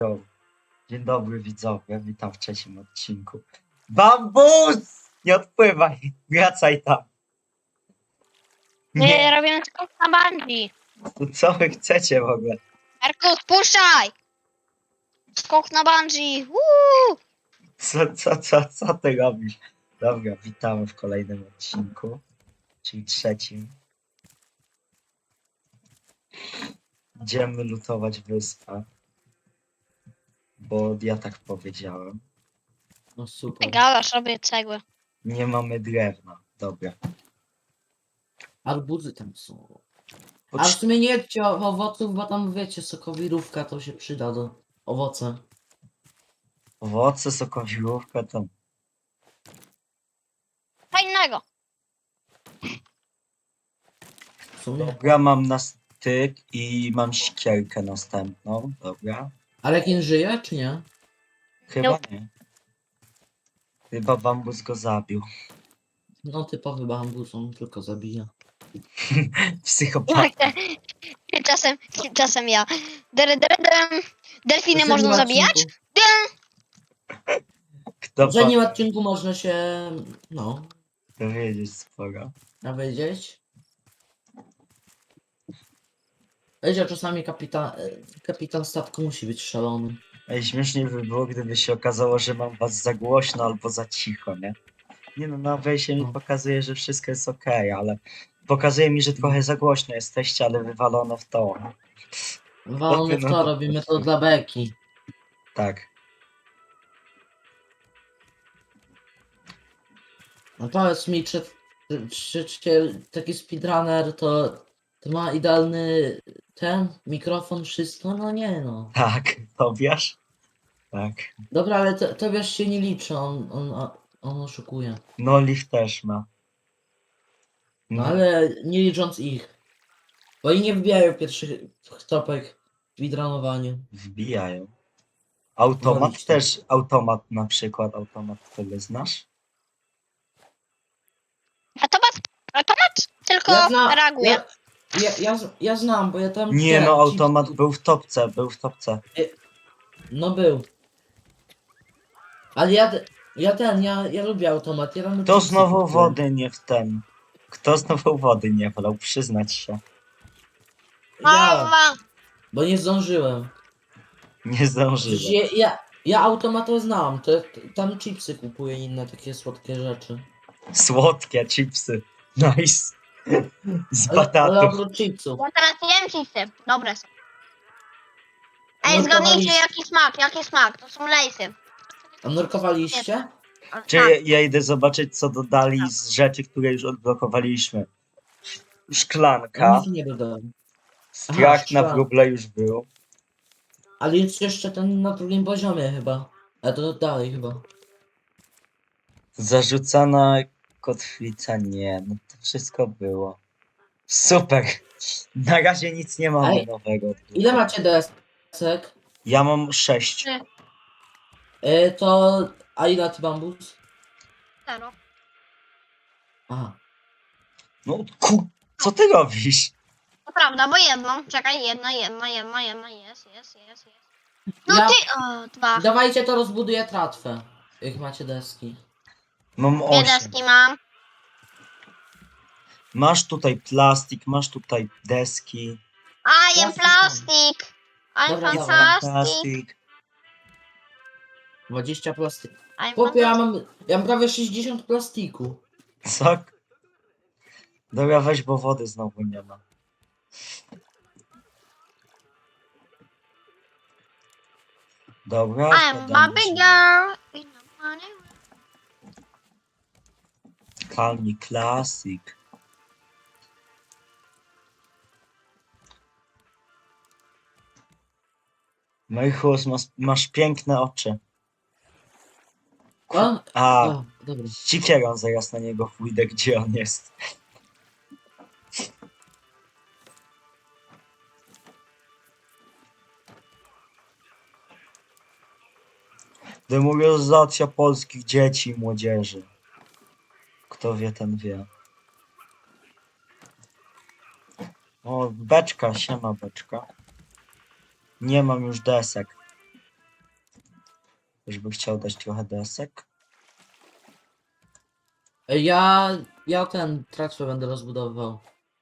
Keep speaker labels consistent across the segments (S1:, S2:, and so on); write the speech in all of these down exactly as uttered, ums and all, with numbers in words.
S1: Yo. Dzień dobry widzowie, witam w trzecim odcinku. Bambus! Nie odpływaj, wracaj tam.
S2: My
S1: Nie,
S2: robimy skok na bungee.
S1: to co wy chcecie w ogóle?
S2: Erku, spuszczaj! Skok na bungee. Woo!
S1: Co, co, co, co ty robisz? Dobra, witamy w kolejnym odcinku, czyli trzecim. Idziemy lutować wyspę, bo ja tak powiedziałem.
S3: No super.
S2: Gadasz, robię cegły.
S1: Nie mamy drewna, dobra.
S3: Arbuzy tam są. A w
S1: Potrz-
S3: sumie nie jedźcie o- owoców, bo tam wiecie, sokowirówka to się przyda do owoce.
S1: Owoce, sokowiłówka, to
S2: Fajnego.
S3: W sumie.
S1: dobra, mam na styk i mam sikierkę następną, dobra.
S3: Ale Rekin żyje, czy nie?
S1: Chyba
S2: Nope.
S1: nie. Chyba bambus go zabił.
S3: No typowy bambus, on tylko zabija.
S1: Psychopata.
S2: Jak te- Czasem, czasem ja. Dere, dere, dere. Delfiny
S3: W
S2: można
S3: poprzednim
S2: zabijać?
S3: odcinku-
S1: Kto
S3: W poprzednim
S1: ma
S3: odcinku można się, no,
S1: dowiedzieć sporo.
S3: dowiedzieć. Wiecie, czasami kapitan, kapitan statku musi być szalony.
S1: Ej, śmiesznie by było, gdyby się okazało, że mam was za głośno albo za cicho, nie? Nie no, na wejście mi
S3: No.
S1: pokazuje, że wszystko jest okej, ale pokazuje mi, że trochę za głośno jesteście, ale wywalone w to.
S3: Walony w
S1: no
S3: to,
S1: to-
S3: robimy to dla beki.
S1: Tak.
S3: No powiedz mi, czy, czy, czy taki speedrunner to, to ma idealny ten mikrofon, wszystko? No nie no.
S1: Tak, Tobiasz? Tak.
S3: Dobra, ale to, Tobiasz się nie liczy, on, on, on oszukuje.
S1: No, Liv też ma.
S3: No ale nie licząc ich. Bo oni nie wbijają pierwszych topek w speedrunowaniu.
S1: Wbijają. Automat
S3: Wolicie.
S1: też, automat na przykład, automat, który znasz?
S2: Automat, automat tylko
S3: Ja, zna,
S2: reaguje.
S3: ja, ja, ja, z- ja znam, bo ja tam...
S1: Nie
S3: ten,
S1: no,
S3: chip-
S1: automat był w topce, był w topce.
S3: No był. Ale ja, ja ten, ja, ja lubię automat. Ja tam
S1: Kto
S3: chipsy
S1: znowu
S3: kupuję.
S1: wody nie w ten? Kto znowu wody nie wolał? Przyznać się.
S3: Ja,
S2: Mama.
S3: bo nie zdążyłem.
S1: Nie
S3: Przecież
S1: zdążyłem.
S3: Ja, ja, ja automatę znam, to, to tam chipsy kupuję i inne takie słodkie rzeczy.
S1: Słodkie chipsy. Nice. Z
S3: Ale, ale
S1: batatów.
S3: oprócz chipsów.
S2: Ja teraz jem chipsy. Dobre są. Ej,
S3: No,
S2: zgadnijcie
S3: kawaliście.
S2: jaki smak, jaki smak. To są lejsy.
S3: A nurkowaliście?
S2: A,
S1: Czy
S2: tak.
S1: ja, ja idę zobaczyć, co dodali z rzeczy, które już odblokowaliśmy.
S3: Ja
S1: Szklanka.
S3: nic nie dodałem.
S1: Strach na
S3: szklanka.
S1: wróble już był.
S3: Ale jest jeszcze ten na drugim poziomie chyba. A to dalej chyba.
S1: Zarzucana kotwica, nie. No to wszystko było. Super. Na razie nic nie mamy
S3: Ej,
S1: nowego.
S3: Ile macie desek?
S1: Ja mam sześć.
S2: Trzy.
S3: Y, to... A ile ty bambus?
S2: Zero.
S3: Aha.
S1: No ku... Co ty robisz?
S2: To prawda, bo jedną. Czekaj, jedna, jedna, jedna, jedna, jest, jest, jest, jest. No
S3: Ja-
S2: ty, o, dwa.
S3: Dawajcie to rozbuduję tratwę. Jak macie deski.
S1: Mam
S2: Dwie
S1: osiem.
S2: deski mam.
S1: Masz tutaj plastik, masz tutaj deski.
S2: I am
S3: Plastik
S2: plastic. I'm
S3: Dobra, dobra.
S2: fantastic.
S1: Plastik.
S3: dwadzieścia plastik.
S2: I'm
S3: Chłopie, ja
S2: fantastic.
S3: mam, ja mam prawie sześćdziesiąt plastiku.
S1: Co? Dobra, weź, bo wody znowu nie ma. Dobra.
S2: I'm
S1: podam
S2: Barbie
S1: się.
S2: girl. in the morning.
S1: Kalni Classic. Mychus, masz, masz piękne oczy.
S3: O,
S1: A,
S3: o, dobra.
S1: z cikierą zaraz na niego pójdę, gdzie on jest. Demoralizacja polskich dzieci i młodzieży. Kto wie, ten wie. O, beczka, siema beczka. Nie mam już desek. Już by chciał dać trochę desek.
S3: Ja, ja ten tratwę będę rozbudowywał.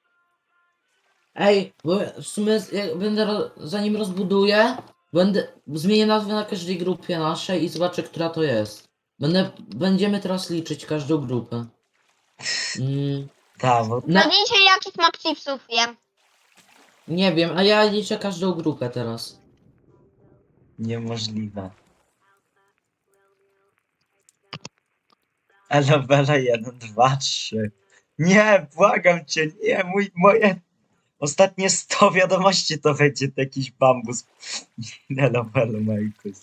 S3: Ej, bo w sumie z- jak będę, ro, zanim rozbuduję, będę, zmienię nazwę na każdej grupie naszej i zobaczę, która to jest. Będę, będziemy teraz liczyć każdą grupę. Mm,
S1: Tak, bo
S3: na,
S2: No dzisiaj jakich map chipsów jem.
S3: nie wiem, a ja liczę każdą grupę teraz.
S1: niemożliwe. Elewele jeden, dwa, trzy. Nie, błagam cię, nie, mój, moje ostatnie sto wiadomości to będzie jakiś bambus. Elewele, Markus.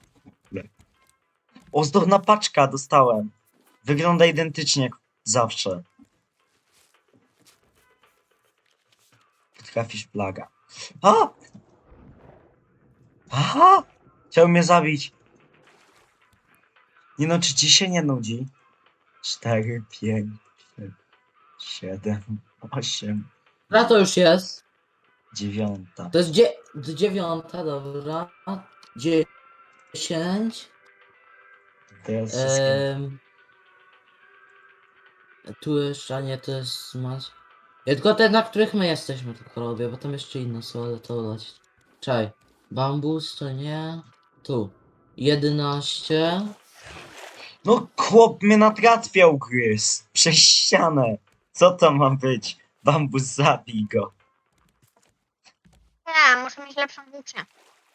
S1: Ozdobna paczka dostałem. Wygląda identycznie jak zawsze. Trafisz plaga. A! Aha! Chciał mnie zabić. Nie no, czy ci się nie nudzi? Cztery, pięć, siedem, osiem,
S3: Która to już jest?
S1: dziewiąta.
S3: To jest dzie, dziewiąta, dobra. Dziesięć.
S1: Teraz wszystkie...
S3: Em, tu jeszcze, a nie, to jest masz. Ja tylko te, na których my jesteśmy, tylko robię, bo tam jeszcze inne są, ale to dać. Czekaj. Bambus to nie. Tu. jedenaście.
S1: No chłop mnie natrafia ugryzł. Przez ścianę. Co to ma być? Bambus, zabij go.
S2: Nie, muszę mieć lepszą włócznię.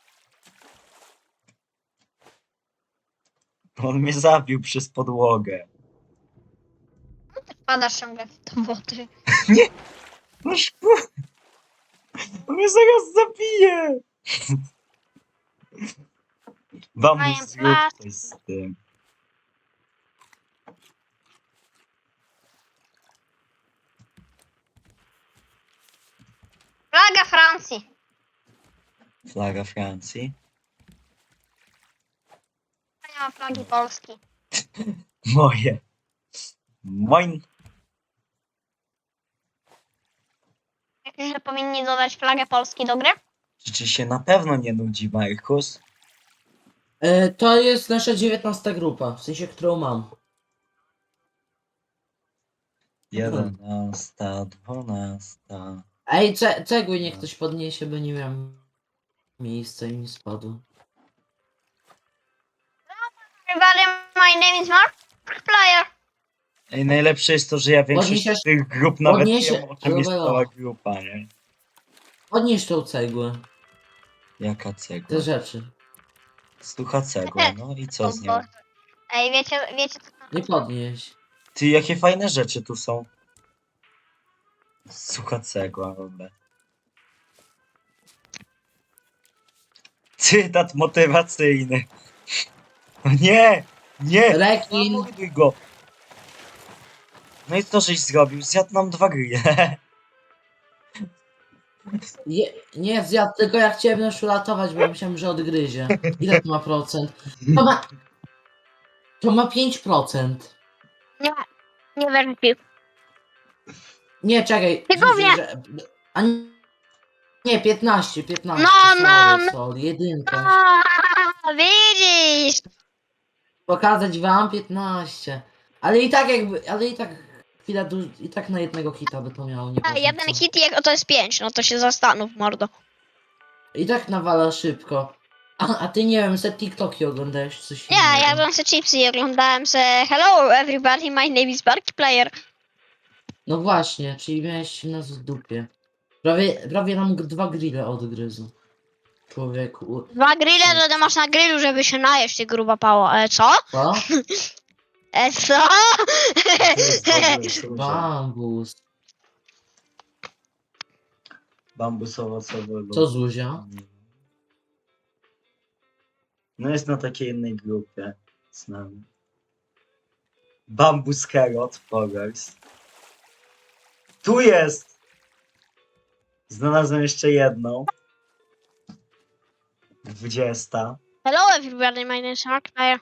S1: On mnie zabił przez podłogę.
S2: Wpadasz ciągle w to wody.
S1: No szpu... On mnie zaraz zabije. Bambus, zrób coś z tym.
S2: Flaga Francji.
S1: Flaga Francji.
S2: Nie ma flagi Polski.
S1: Moje. Moin.
S2: Myślisz, że powinni dodać flagę Polski do gry?
S1: Czy ci się na pewno nie nudzi, Markus?
S3: E, to jest nasza dziewiętnasta grupa, w sensie, którą mam.
S1: Jedenasta, dwunasta.
S3: Ej, ce, cegły niech ktoś podniesie, bo nie miałem miejsca i mi spadło.
S2: Everybody, my name is Mark Player.
S1: Ej, najlepsze jest to, że ja większość
S3: Podniesiesz-
S1: z tych grup nawet
S3: podniesie-
S1: wiem, o czym jest
S3: Robelo.
S1: cała grupa, nie?
S3: Podnieś tą cegłę,
S1: Jaka
S3: te
S1: cegła?
S3: rzeczy.
S1: Stucha cegła, no i co z nią?
S2: Boże. Ej, wiecie, wiecie co to
S3: Nie podnieś.
S1: Ty, jakie fajne rzeczy tu są. Sucha cegła, w ogóle. Cytat motywacyjny. No nie! Nie!
S3: Rekin.
S1: Zamorduj go! No i co żeś zrobił? Zjadł nam dwa grille.
S3: Je, nie zjadł, tylko ja chciałem już uratować, bo myślałem, że odgryzie. Ile to ma procent? To ma... To ma pięć procent.
S2: Nie, nie wyrzucił.
S3: Nie, czekaj.
S2: Tylko
S3: że-
S2: wie.
S3: że- A nie, nie, piętnaście, piętnaście.
S2: No,
S3: sorry,
S2: no, no.
S3: sorry, jedynka.
S2: A, widzisz!
S3: Pokazać wam piętnaście. Ale i tak jakby, ale i tak chwila, du- i tak na jednego hita by to miało, nie
S2: A,
S3: ważne
S2: jeden
S3: co.
S2: hit i jak to jest pięć, no to się zastanów, mordo.
S3: I tak nawala szybko. A, a ty nie wiem, se TikToki oglądałeś coś
S2: Nie,
S3: innego.
S2: jadłem se chipsy i oglądałem se Hello everybody, my name is Barky Player.
S3: No właśnie, czyli miałeś nas w dupie. Prawie, prawie nam g- dwa grille odgryzł. Człowieku.
S2: Dwa grille to ty masz na grillu, żeby się najeść, ty gruba pało. E, co?
S3: Co?
S2: E, co?
S1: To jest dobre służenie.
S3: Bambus.
S1: Bambus owocowy. lub-
S3: Co Zuzia?
S1: No jest na takiej innej grupie z nami. Bambus Herod Forest. Tu jest! Znalazłem jeszcze jedną. Dwudziesta.
S2: Hello everybody, my name is Mark Player.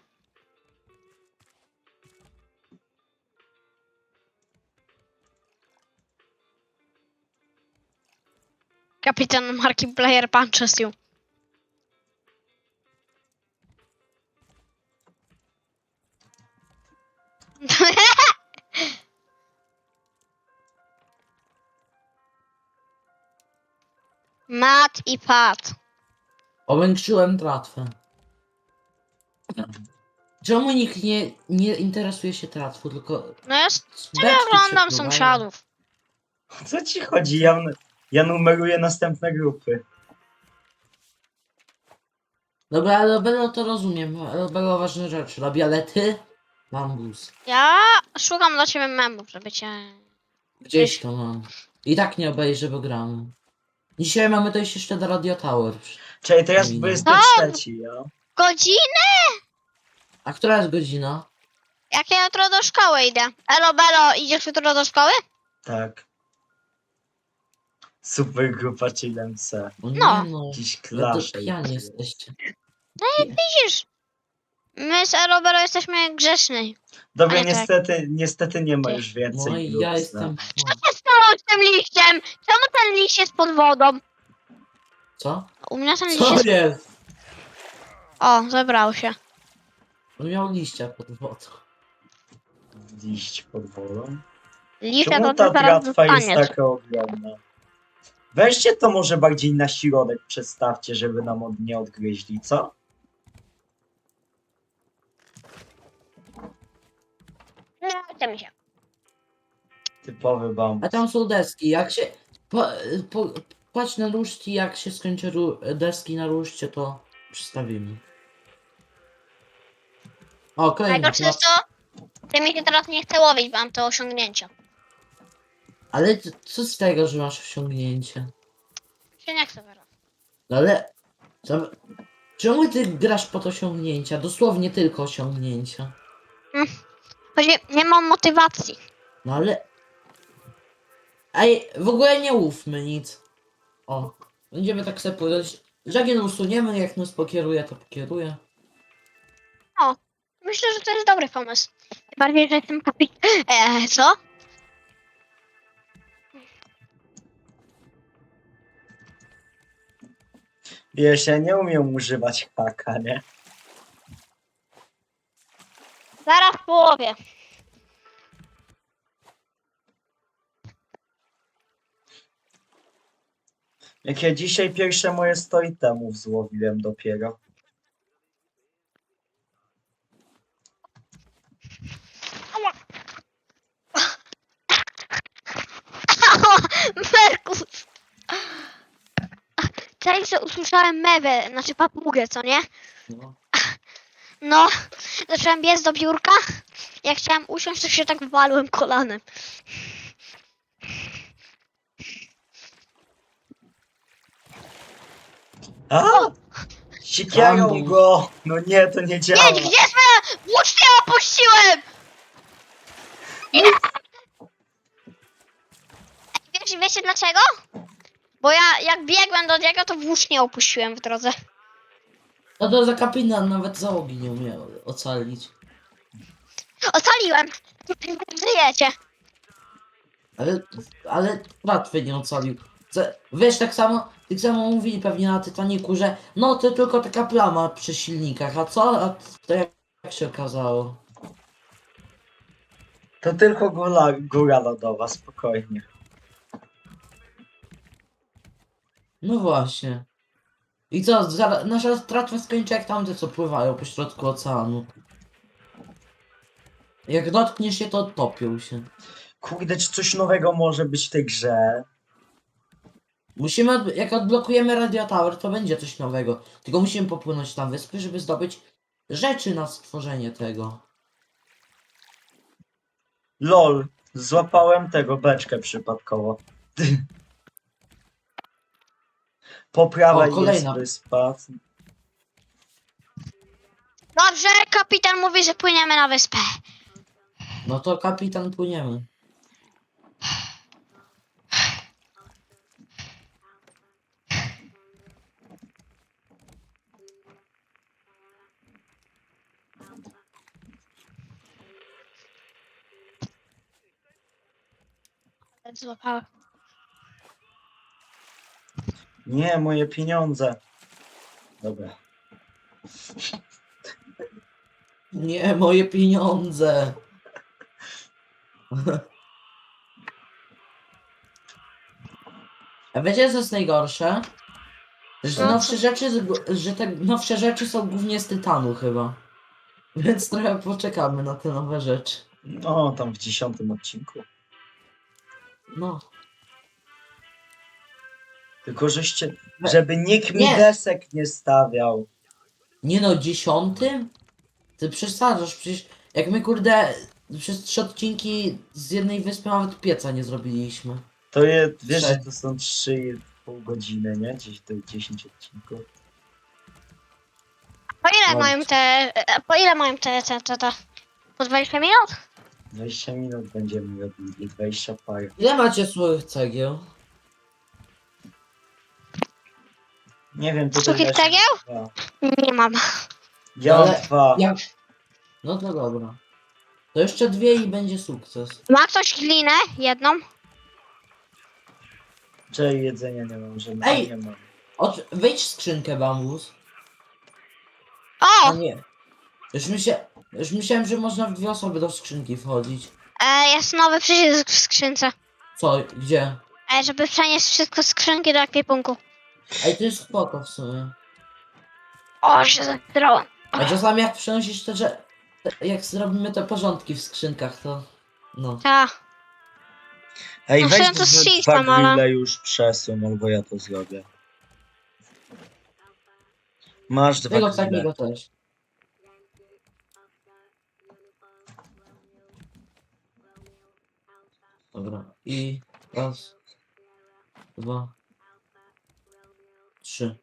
S2: Kapitan Marki Player punches you. Mat i Pat.
S3: Powiększyłem tratwę. Czemu nikt nie, nie interesuje się tratwą, tylko
S2: No ja sobie
S3: beczki
S2: oglądam
S3: przepływają?
S2: sąsiadów.
S1: O co ci chodzi? Ja, ja numeruję następne grupy.
S3: Dobra, ale Belo to rozumiem, ale Belo ważne rzeczy robi, ale ty? Bambus.
S2: Ja szukam dla ciebie memów, żeby cię...
S3: Gdzieś to mam. I tak nie obejrzę, bo gramy. Dzisiaj mamy dojść jeszcze do Radio Tower.
S1: Czekaj, to jest
S3: Ej, no.
S1: dwudziesty trzeci, ja?
S2: Godzinę?
S3: A która jest godzina?
S2: Jak ja jutro do szkoły idę. Elo, Belo, idziesz jutro do szkoły?
S1: Tak. Super grupa Chillem C.
S3: O nie
S2: No.
S3: no.
S1: Jakiś
S3: Ja to
S1: klasz.
S3: pijani jesteście.
S2: Widzisz? My z Elo, Belo jesteśmy grzeczni.
S1: Dobra,
S2: Ale tak.
S1: niestety, niestety nie ma już więcej
S3: No i
S1: grup.
S3: ja
S1: z
S3: jestem...
S1: nami.
S2: Co się stało z tym liściem? Czemu ten liść jest pod wodą?
S3: Co?
S2: U mnie ten liść
S3: Co
S2: jest...
S3: jest?
S2: O, zebrał się.
S3: On miał liścia pod wodą.
S1: Liść pod wodą.
S2: Liścia
S1: Czemu
S2: to
S1: ta
S2: ty zaraz
S1: tratwa jest
S2: dostaniesz.
S1: taka ogromna? Weźcie to może bardziej na środek przedstawcie, żeby nam od, nie odgryźli, co?
S2: Nie chce mi się.
S1: Typowy bambus.
S3: A tam są deski, jak się... Po, po, płać na ruszki, jak się skończy ru, deski na ruszcie, to przystawimy. O, kolejny
S2: Najgorsze
S3: plac.
S2: jest to, że mi się teraz nie chce łowić, bo mam to osiągnięcia.
S3: Ale c- co z tego, że masz osiągnięcie?
S2: Się nie chce teraz.
S3: No ale... Co, czemu ty grasz pod osiągnięcia? Dosłownie tylko osiągnięcia.
S2: Chodzi, nie mam motywacji.
S3: No ale... Ej, w ogóle nie ufmy nic. O, będziemy tak sobie powiedzieć. Żagien usuniemy, jak nas pokieruje, to pokieruje.
S2: Myślę, że to jest dobry pomysł. Tym bardziej, że jestem kapit... Eee, co?
S1: Wiesz, ja nie umiem używać haka, nie?
S2: Zaraz w połowie.
S1: Jak ja dzisiaj pierwsze moje sto itemów złowiłem dopiero.
S2: Merkus! Teraz sobie usłyszałem mewę, znaczy papugę, co nie?
S3: No.
S2: No, zacząłem biec do biurka. Jak chciałem usiąść, to się tak walłem kolanem.
S1: A! Siekierą
S3: Bambus.
S1: go! No nie, to nie działa.
S2: Jedź, gdzie swoje włócznie opuściłem? Wiesz, wiecie dlaczego? Bo ja jak biegłem do niego, to włócznie opuściłem w drodze.
S3: No to za kapitan nawet załogi nie umiał ocalić.
S2: Ocaliłem! Żyjecie!
S3: Ale, ale łatwy nie ocalił. Ze- Wiesz, tak samo, tak samo mówili pewnie na Titaniku, że no to tylko taka plama przy silnikach, a co? A to jak, jak się okazało?
S1: To tylko góra, góra lodowa, spokojnie.
S3: No właśnie. I co, zaraz, nasza tratwa skończy jak tamte, co pływają po środku oceanu. Jak dotkniesz się, to topią się.
S1: Kurde, czy coś nowego może być w tej grze?
S3: Musimy, od- jak odblokujemy Radio Tower, to będzie coś nowego. Tylko musimy popłynąć na wyspy, żeby zdobyć rzeczy na stworzenie tego.
S1: Lol, złapałem tego beczkę przypadkowo. Po prawej
S3: O, kolejna.
S1: jest wyspa.
S2: Dobrze, kapitan mówi, że płyniemy na wyspę.
S3: No to kapitan, płyniemy.
S2: Złapałem.
S1: Nie, moje pieniądze. Dobra.
S3: Nie, moje pieniądze. A wiecie co jest najgorsze? Że
S2: No
S3: nowsze rzeczy, z gó- że te nowsze rzeczy są głównie z tytanu chyba. Więc trochę poczekamy na te nowe rzeczy.
S1: No, tam w dziesiątym odcinku.
S3: No.
S1: Tylko żeście,
S3: We-
S1: żeby nikt mi
S3: Nie.
S1: desek nie stawiał.
S3: Nie no, dziesiątym? Ty przesadzasz, przecież jak my kurde przez trzy odcinki z jednej wyspy nawet pieca nie zrobiliśmy.
S1: To je, wiesz, że
S3: Trzech.
S1: to są trzy i pół godziny, nie? Gdzieś do dziesięć odcinków.
S2: Po ile
S3: No.
S2: mają te, e, po ile mają te, te, te, te, po dwadzieścia minut?
S1: dwadzieścia minut będziemy robili, dwadzieścia parę.
S3: Ile macie słych cegieł?
S1: Nie wiem, to
S2: Suchych
S1: leży
S2: cegieł?
S1: dwa.
S2: Nie mam.
S1: Ja mam
S3: Ale
S1: dwa.
S3: Ja... No to dobra. To jeszcze dwie i będzie sukces.
S2: Ma ktoś glinę? Jedną?
S1: Czy jedzenia nie mam, że
S3: Ej!
S1: nie mam.
S3: Ot... Wejdź w skrzynkę bambus.
S2: O!
S3: A nie. Już, myślę... Już myślałem, że można w dwie osoby do skrzynki wchodzić.
S2: E, jest nowy przycisk w skrzynce.
S3: Co? Gdzie?
S2: E, żeby przenieść wszystko z skrzynki do ekwipunku.
S3: Ej, to jest spoko w sumie.
S2: O, się zatrąłem.
S3: A czasami jak przenosisz te, że... te- Jak zrobimy te porządki w skrzynkach, to... No.
S2: Ta.
S1: Ej,
S2: No
S1: weź
S2: chciałem to
S1: te
S2: zjeść
S1: dwa
S2: tam, ale-
S1: grille już przesuń, albo ja to zrobię. Masz dwa
S3: Tego
S1: grille.
S3: takiego też. Dobra. I... Raz. Dwa. Trzy.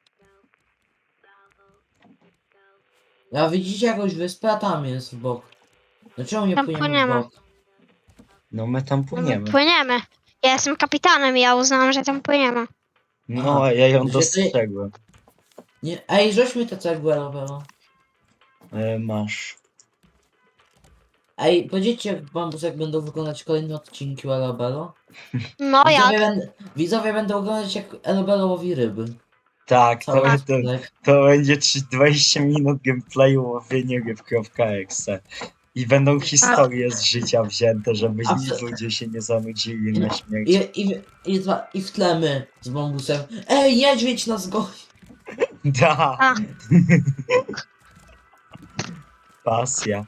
S3: Ja widzicie jakąś wyspę, a tam jest w bok. Dlaczego nie
S2: Tam
S3: płyniemy w
S2: płyniemy.
S3: bok?
S1: No my tam
S2: No my
S1: płyniemy.
S2: płyniemy. Ja jestem kapitanem i ja uznałam, że tam płyniemy.
S1: No,
S3: Aha.
S1: a ja ją
S3: Że ty-
S1: dostrzegłem.
S3: Nie, ej, rzuć mi te cegły robią.
S1: E, masz.
S3: Ej, powiedzcie bambus, jak będą wyglądać kolejne odcinki o Elobelo.
S2: No
S3: Widzowie,
S2: jak?
S3: będą, widzowie będą oglądać, jak Elobelo łowi ryby.
S1: Tak, to,
S3: Cały
S1: to,
S3: odcinek.
S1: to będzie trzy- dwadzieścia minut gameplayu łowienie ryb.exe. I będą historie z życia wzięte, żeby
S3: A co-
S1: ludzie się nie zanudzili na śmierć.
S3: I, i, i, dwa- I w tle my z bambusem. Ej, niedźwiedź nas goni!
S1: Da!
S2: A.
S1: Pasja.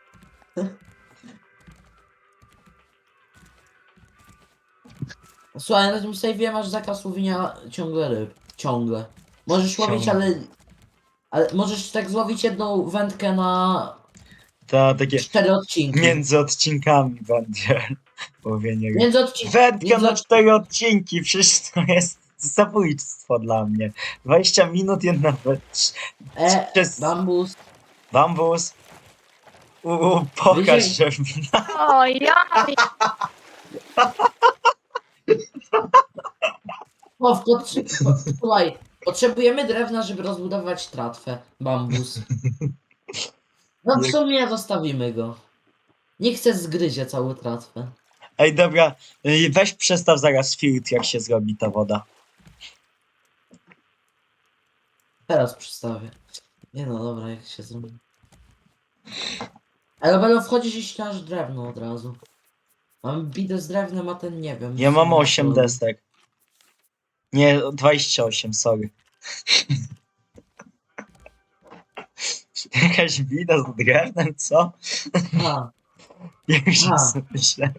S3: Słuchaj, na tym save'ie masz zakaz łowienia ciągle ryb. Ciągle. Możesz łowić,
S1: Ciągle.
S3: ale... Ale możesz tak złowić jedną wędkę na
S1: To takie
S3: cztery odcinki.
S1: między odcinkami będzie łowienie ryb.
S3: Między odcinkami.
S1: Wędka
S3: między
S1: na
S3: odc-
S1: cztery odcinki, przecież to jest zabójstwo dla mnie. dwadzieścia minut, jedna wędka.
S3: E,
S1: Przez
S3: bambus.
S1: bambus. Uuu, pokaż
S3: Wyzień.
S1: się.
S2: O, ja.
S3: O, w potrzy- po, słuchaj, potrzebujemy drewna, żeby rozbudować tratwę. Bambus. No w
S1: Nie-
S3: sumie zostawimy go. Nie chcę zgryzie całą tratwę.
S1: Ej, dobra, y, weź przestaw zaraz filtr, jak się zrobi ta woda.
S3: Teraz przystawię. Nie no, dobra, jak się zrobi. Ale będą wchodzić i ścinasz drewno od razu. Mam bidę z drewnem, a ten nie wiem.
S1: Ja
S3: w
S1: mam
S3: sumie
S1: osiem
S3: to-
S1: desek. Nie, dwadzieścia osiem, sorry. Jakaś bida z drewnem, co?
S3: A,
S1: Jak się
S3: Aha.
S1: sobie myślę.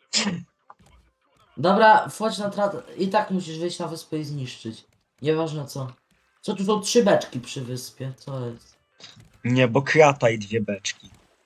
S3: dobra, wchodź na tratwę. I tak musisz wyjść na wyspę i zniszczyć. Nieważne co. Co tu są trzy beczki przy wyspie? Co jest?
S1: Nie, bo krata i dwie beczki.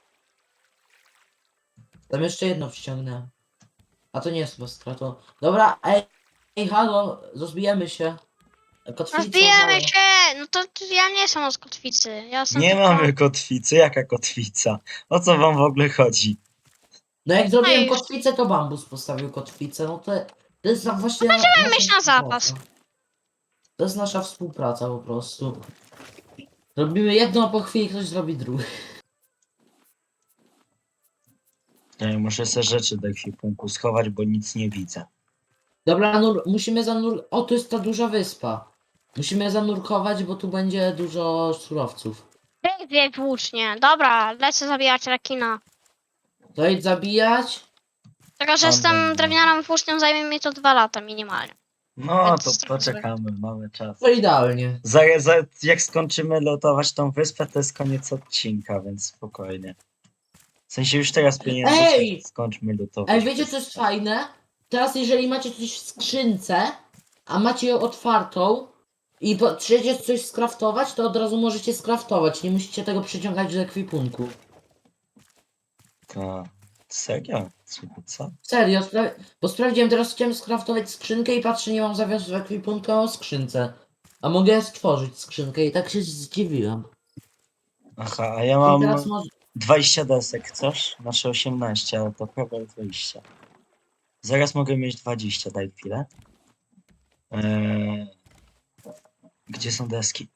S3: Tam jeszcze jedno przyciągnę. A to nie jest chyba strato. Dobra, ej, ej, halo, rozbijemy się. Kotwica,
S2: Rozbijemy
S3: halo.
S2: się! No to to ja nie jestem z kotwicy. Ja jestem
S1: Nie
S2: tylko...
S1: mamy kotwicy, jaka kotwica? O co wam w ogóle chodzi?
S3: No jak zrobiłem
S2: już.
S3: kotwicę, to bambus postawił kotwicę. No to, to jest na- właśnie.
S2: będziemy
S3: nasza
S2: mieć na
S3: współpraca.
S2: zapas.
S3: To jest nasza współpraca po prostu. Robimy jedno, a po chwili ktoś zrobi drugie.
S1: Ja muszę sobie rzeczy do ekwipunku schować, bo nic nie widzę.
S3: Dobra, nur musimy zanur... O, tu jest ta duża wyspa. Musimy zanurkować, bo tu będzie dużo surowców.
S2: Bieg, bieg włócznie. Dobra, lecę zabijać rekina.
S3: To idź zabijać.
S2: Tylko, że
S1: Tam
S2: z tą
S1: będzie.
S2: drewnianą włócznią zajmie mi to dwa lata minimalnie.
S1: No
S2: Więc
S1: to
S2: tak
S1: poczekamy, mamy czas.
S3: To idealnie.
S1: Za, za, jak skończymy lotować tą wyspę, to jest koniec odcinka, więc spokojnie. W sensie już teraz powinien być,
S3: Ej!
S1: jak skończmy lutować.
S3: Ej, wiecie co jest
S1: wyspę.
S3: fajne? Teraz jeżeli macie coś w skrzynce, a macie ją otwartą i chcecie coś skraftować, to od razu możecie skraftować. Nie musicie tego przyciągać do ekwipunku.
S1: To... Serio? Super, co?
S3: Serio, spra bo sprawdziłem, teraz chciałem skraftować skrzynkę i patrzę, nie mam zawiasu w ekwipunku, a mam skrzynce. A mogę stworzyć skrzynkę i tak się zdziwiłem.
S1: Aha, a ja
S3: I
S1: mam
S3: teraz może...
S1: dwadzieścia desek, chcesz? Znaczy osiemnaście, ale to prawie dwadzieścia. Zaraz mogę mieć dwadzieścia, daj chwilę. Eee... Gdzie są deski?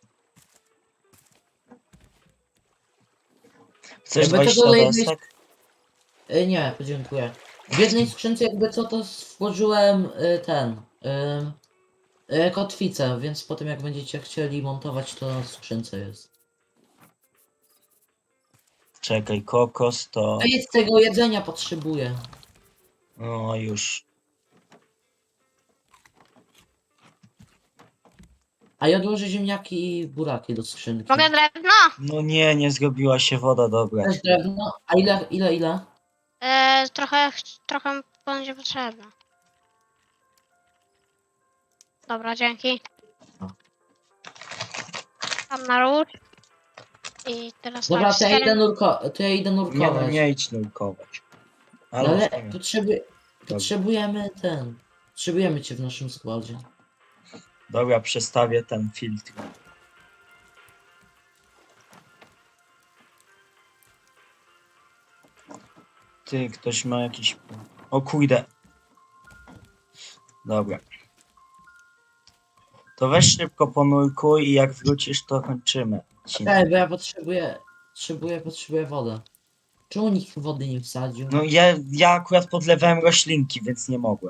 S1: Chcesz
S3: Jakby to
S1: dwadzieścia
S3: dole jednej-
S1: desek?
S3: Y, nie, dziękuję. W jednej skrzynce jakby co to stworzyłem y, ten... Y, y, kotwicę, więc potem jak będziecie chcieli montować, to w skrzynce jest.
S1: Czekaj, kokos to...
S3: A jest tego jedzenia potrzebuję.
S1: No już.
S3: A ja odłożę ziemniaki i buraki do skrzynki.
S2: Mogę drewno?
S1: No nie, nie zrobiła się woda dobra.
S3: Też drewno. A ile, ile, ile?
S2: E, trochę, trochę będzie potrzebne. Dobra, dzięki.
S1: No.
S2: Tam na róż. I teraz
S3: Dobra,
S2: tak,
S3: to ja idę,
S2: cztery-
S3: nurko to ja idę
S1: Nie no,
S3: nurkować.
S1: nie idź nurkować.
S3: No
S1: Ale,
S3: ale
S1: ale...
S3: potrzebuj, potrzebujemy ten. Potrzebujemy cię w naszym składzie.
S1: Dobra, przestawię ten filtr. Ty, ktoś ma jakiś... O kurde. Dobra. To weź szybko ponurkuj i jak wrócisz, to kończymy. odcinek.
S3: Ej, bo ja potrzebuję, potrzebuję, potrzebuję wodę. Czemu nikt wody nie wsadził?
S1: No ja, ja akurat podlewałem roślinki, więc nie mogłem.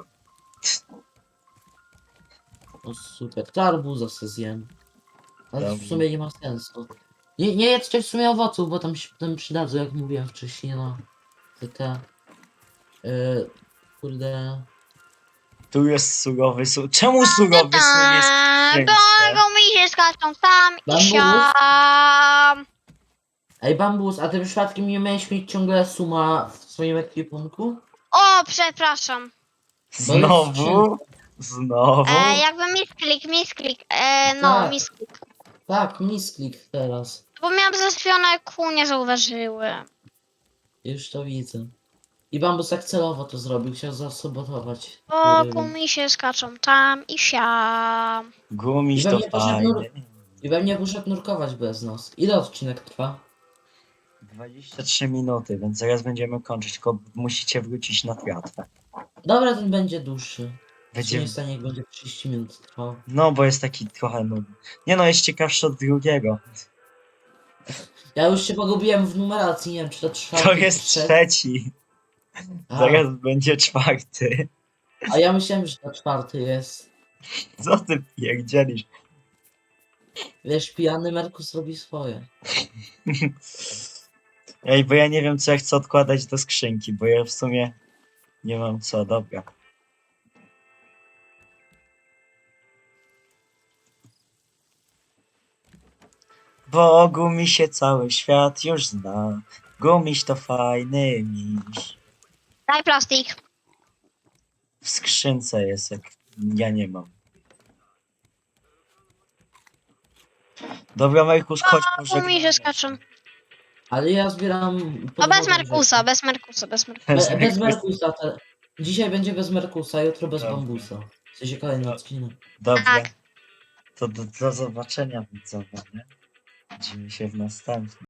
S3: O super, to arbuza se zjem. Ale w
S1: Dobrze.
S3: sumie nie ma sensu. Nie, nie jedzcie w sumie owoców, bo tam się potem przydadzą, jak mówiłem wcześniej, no. Te, te... Yy, kurde...
S1: Tu jest surowy sól. Czemu surowy sól jest w
S2: Eee,
S1: skrzynce?
S2: Bo mi się skaczą tam i
S3: Bambus?
S2: siam.
S3: Ej, Bambus, a ty przypadkiem nie miałeś mieć ciągle suma w swoim ekwipunku?
S2: O, przepraszam.
S1: Znowu? Znowu?
S2: E, jakby misklik, misklik. E, no,
S3: Tak.
S2: misklik.
S3: Tak, misklik teraz.
S2: Bo miałam zaspione kół, nie zauważyłem.
S3: Już to widzę. I Bambus tak celowo to zrobił, chciał zasabotować.
S2: O,
S3: Kurde,
S2: ku mi się skaczą tam i siam.
S1: Gumiś
S3: I
S1: to
S3: pewnie poszedł nur-
S1: fajnie.
S3: I pewnie poszedł nurkować bez nas. Ile odcinek trwa?
S1: dwadzieścia trzy minuty, więc zaraz będziemy kończyć, tylko musicie wrócić na tratwę.
S3: Dobra, ten będzie dłuższy.
S1: Będzie...
S3: Nie stanie, jak będzie trzydzieści minut trwał.
S1: No, bo jest taki trochę nudny. Nie no, jest ciekawszy od drugiego.
S3: Ja już się pogubiłem w numeracji, nie wiem czy to trwa.
S1: To jest trzeci.
S3: A,
S1: Zaraz będzie czwarty.
S3: a ja myślałem, że to czwarty jest.
S1: Co ty pierdzielisz?
S3: Wiesz, pijany Merkus robi swoje.
S1: Ej, bo ja nie wiem, co ja chcę odkładać do skrzynki, bo ja w sumie nie mam co, dobra. Bo Gumisie cały świat już zna. Gumiś to fajny miś.
S2: Daj plastik.
S1: W skrzynce jest, jak ja nie mam. Dobra, Markus, chodź,
S2: O, ku mi się
S1: pożegnamy
S2: skaczą.
S3: Ale ja zbieram...
S2: No bez
S3: podwodne
S2: Merkusa, bez Merkusa, bez Merkusa.
S3: rzeczy.
S1: się.
S3: Be, bez Merkusa. Te... Dzisiaj będzie bez Merkusa, jutro bez
S1: Dobra.
S3: Bambusa. W sensie kolejny
S1: No.
S3: odcinek.
S1: Dobra,
S2: Tak.
S1: to do, do zobaczenia widzowie, nie? Widzimy się w następnym.